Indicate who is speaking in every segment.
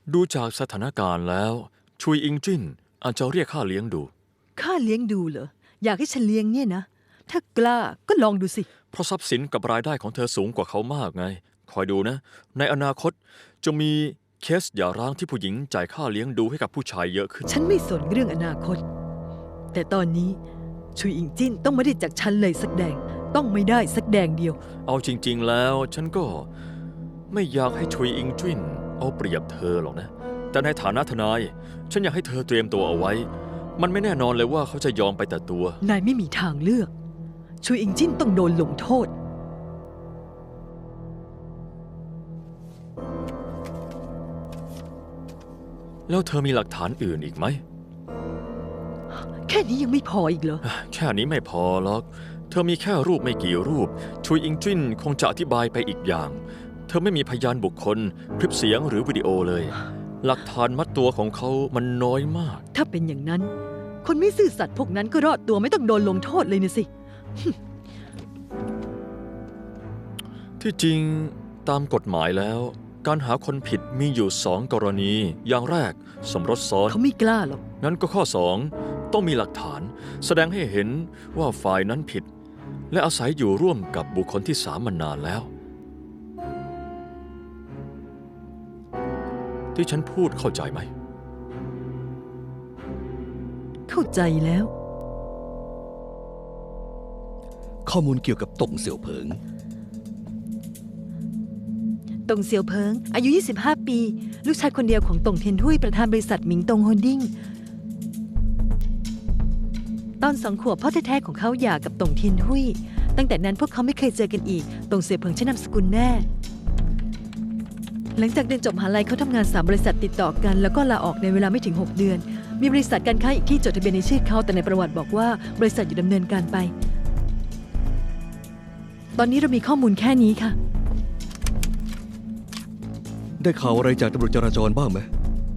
Speaker 1: ดูจากสถานการณ์แล้วชุยอิงจิ้นอาจจะเรียกค่าเลี้ยงดู
Speaker 2: ค่าเลี้ยงดูเหรออยากให้ฉันเลี้ยงเนี่ยนะถ้ากล้าก็ลองดูสิ
Speaker 1: เพราะทรัพย์สินกับรายได้ของเธอสูงกว่าเขามากไงคอยดูนะในอนาคตจะมีเคสหย่าร้างที่ผู้หญิงจ่ายค่าเลี้ยงดูให้กับผู้ชายเยอะขึ้น
Speaker 2: ฉันไม่สนเรื่องอนาคตแต่ตอนนี้ชุยอิงจิ้นต้องไม่ได้จากฉันเลยสักแดงต้องไม่ได้สักแดงเดียว
Speaker 1: เอาจริงๆแล้วฉันก็ไม่อยากให้ชุยอิงจิ้นเอาเปรียบเธอหรอกนะแต่ในฐานะทนายฉันอยากให้เธอเตรียมตัวเอาไว้มันไม่แน่นอนเลยว่าเขาจะยอมไปแต่ตัวน
Speaker 2: ายไม่มีทางเลือกชุยอิงจิ้นต้องโดนลงโทษ
Speaker 1: แล้วเธอมีหลักฐานอื่นอีกไหม
Speaker 2: แค่นี้ยังไม่พออีกเหรอ
Speaker 1: แค่นี้ไม่พอหรอกเธอมีแค่รูปไม่กี่รูปชุยอิงจิ้นคงจะอธิบายไปอีกอย่างเธอไม่มีพยานบุคคลคลิปเสียงหรือวิดีโอเลยหลักฐานมัดตัวของเขามันน้อยมาก
Speaker 2: ถ้าเป็นอย่างนั้นคนไม่ซื่อสัตย์พวกนั้นก็รอดตัวไม่ต้องโดนลงโทษเลยนะสิ
Speaker 1: ที่จริงตามกฎหมายแล้วการหาคนผิดมีอยู่2 กรณีอย่างแรกสมรสซ้อน
Speaker 2: เขาไม่กล้าหรอก
Speaker 1: นั้นก็ข้อ2ต้องมีหลักฐานแสดงให้เห็นว่าฝ่ายนั้นผิด และอาศัยอยู่ร่วมกับบุคคลที่3มานานแล้ว ที่ฉันพูดเข้าใจไหม
Speaker 2: เข้าใจแล้ว
Speaker 3: ข้อมูลเกี่ยวกับต่งเสี่ยวเผิง
Speaker 2: ตงเซียวเพิงอายุ 25 ปี ลูกชายคนเดียวของตงเทียนทุยประธานบริษัทหมิงตงโฮลดิ้งตอน2 ขวบพ่อแท้ๆของเขาหย่ากับตงเทียนทุยตั้งแต่นั้นพวกเขาไม่เคยเจอกันอีกตงเซียวเพิงใช้นามสกุลแน่หลังจากเรียนจบมหาลัยเขาทำงาน3 บริษัทติดต่อกันแล้วก็ลาออกในเวลาไม่ถึง 6 เดือนมีบริษัทการค้าอีกที่จดทะเบียนในชื่อเขาแต่ในประวัติบอกว่าบริษัทอยู่ดำเนินการไปตอนนี้เรามีข้อมูลแค่นี้ค่ะ
Speaker 3: ได้ข่าวอะไรจากตำรวจจราจรบ้างไหม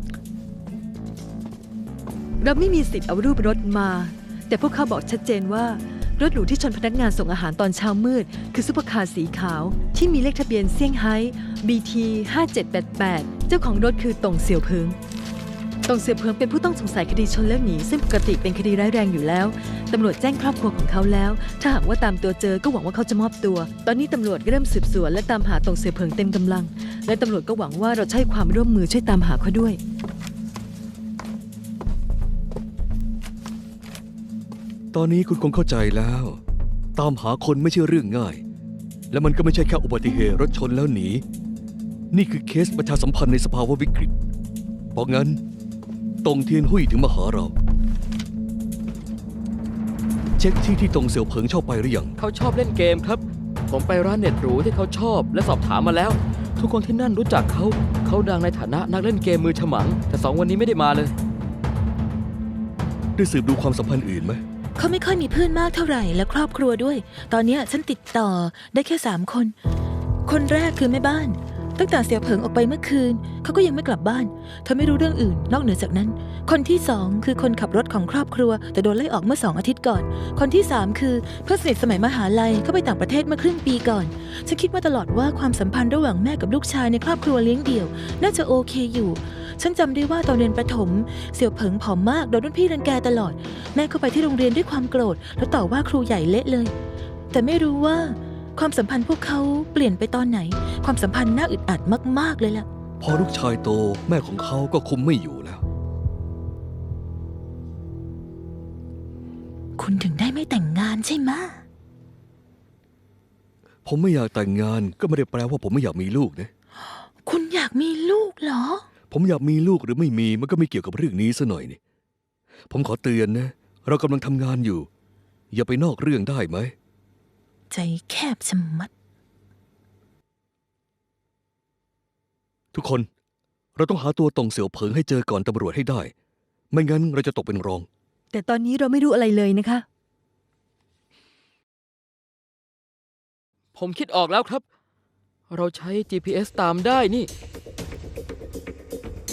Speaker 2: เราไม่มีสิทธิ์เอารูปรถมา แต่พวกเขาบอกชัดเจนว่ารถหรูที่ชนพนักงานส่งอาหารตอนเช้ามืดคือซุปเปอร์คาร์สีขาวที่มีเลขทะเบียนเซี่ยงไฮ้ BT 5788เจ้าของรถคือตงเสี่ยวเพิงตงเสี่ยวเพิงเป็นผู้ต้องสงสัยคดีชนแล้วหนีซึ่งปกติเป็นคดีร้ายแรงอยู่แล้วตำรวจแจ้งครอบครัวของเขาแล้วถ้าหากว่าตามตัวเจอก็หวังว่าเขาจะมอบตัวตอนนี้ตำรวจเริ่มสืบสวนและตามหาตงเสี่ยวเพิงเต็มกำลังและตำรวจก็หวังว่าเราจะให้ความร่วมมือช่วยตามหาเขาด้วย
Speaker 3: ตอนนี้คุณคงเข้าใจแล้ว ตามหาคนไม่ใช่เรื่องง่าย และมันก็ไม่ใช่แค่อุบัติเหตุรถชนแล้วหนี นี่คือเคสประชาสัมพันธ์ในสภาวะวิกฤต เพราะงั้นตงเทียนหุยถึงมาหาเรา เช็คที่ตงเสี่ยวเผิงชอบไปหรือยัง
Speaker 4: เขาชอบเล่นเกมครับ ผมไปร้านเน็ตหรูที่เขาชอบและสอบถามมาแล้ว ทุกคนที่นั่นรู้จักเขา เขาดังในฐานะนักเล่นเกมมือฉมัง แต่2 วันนี้ไม่ได้มาเลย
Speaker 3: ได้สืบดูความสัมพันธ์อื่นไหม
Speaker 5: เขาไม่ค่อยมีเพื่อนมากเท่าไหร่และครอบครัวด้วย ตอนเนี้ยฉันติดต่อได้แค่3 คน คนแรกคือแม่บ้าน ตั้งแต่เสี่ยวเผิงออกไปเมื่อคืนเขาก็ยังไม่กลับบ้านเธอไม่รู้เรื่องอื่นนอกเหนือจากนั้น คนที่2คือคนขับรถของครอบครัวแต่โดนไล่ออกเมื่อ2 อาทิตย์ก่อน คนที่3คือเพื่อนสนิทสมัยมหาลัยเขาไปต่างประเทศเมื่อครึ่งปีก่อนฉันคิดมาตลอดว่าความสัมพันธ์ระหว่างแม่กับลูกชายในครอบครัวเลี้ยงเดี่ยวน่าจะโอเคอยู่ฉันจำได้ว่าตอนเรียนประถมเสี่ยวเผิงผอมมากโดนรุ่นพี่รังแกตลอดแม่เข้าไปที่โรงเรียนด้วยความโกรธแล้วต่อว่าครูใหญ่เละเลยแต่ไม่รู้ว่าความสัมพันธ์พวกเขาเปลี่ยนไปตอนไหนความสัมพันธ์น่าอึดอัดมากๆเลยล่ะ
Speaker 3: พอลูกชายโตแม่ของเขาก็คุมไม่อยู่แล้ว
Speaker 5: คุณถึงได้ไม่แต่งงานใช่ไหม
Speaker 3: ผมไม่อยากแต่งงานก็ไม่ได้แปลว่าผมไม่อยากมีลูกนะ
Speaker 5: คุณอยากมีลูกเหรอ
Speaker 3: ผมอยากมีลูกหรือไม่มีมันก็ไม่เกี่ยวกับเรื่องนี้ซะหน่อยนี่ผมขอเตือนนะเรากำลังทำงานอยู่ อย่าไปนอกเรื่องได้ไหม
Speaker 5: ใจแคบชะมัด
Speaker 3: ทุกคนเราต้องหาตัวตงเสี่ยวเผิงให้เจอก่อนตำรวจให้ได้ ไม่งั้นเราจะตกเป็นรอง
Speaker 2: แต่ตอนนี้เราไม่รู้อะไรเลยนะคะ
Speaker 4: ผมคิดออกแล้วครับ เราใช้ GPS ตามได้นี่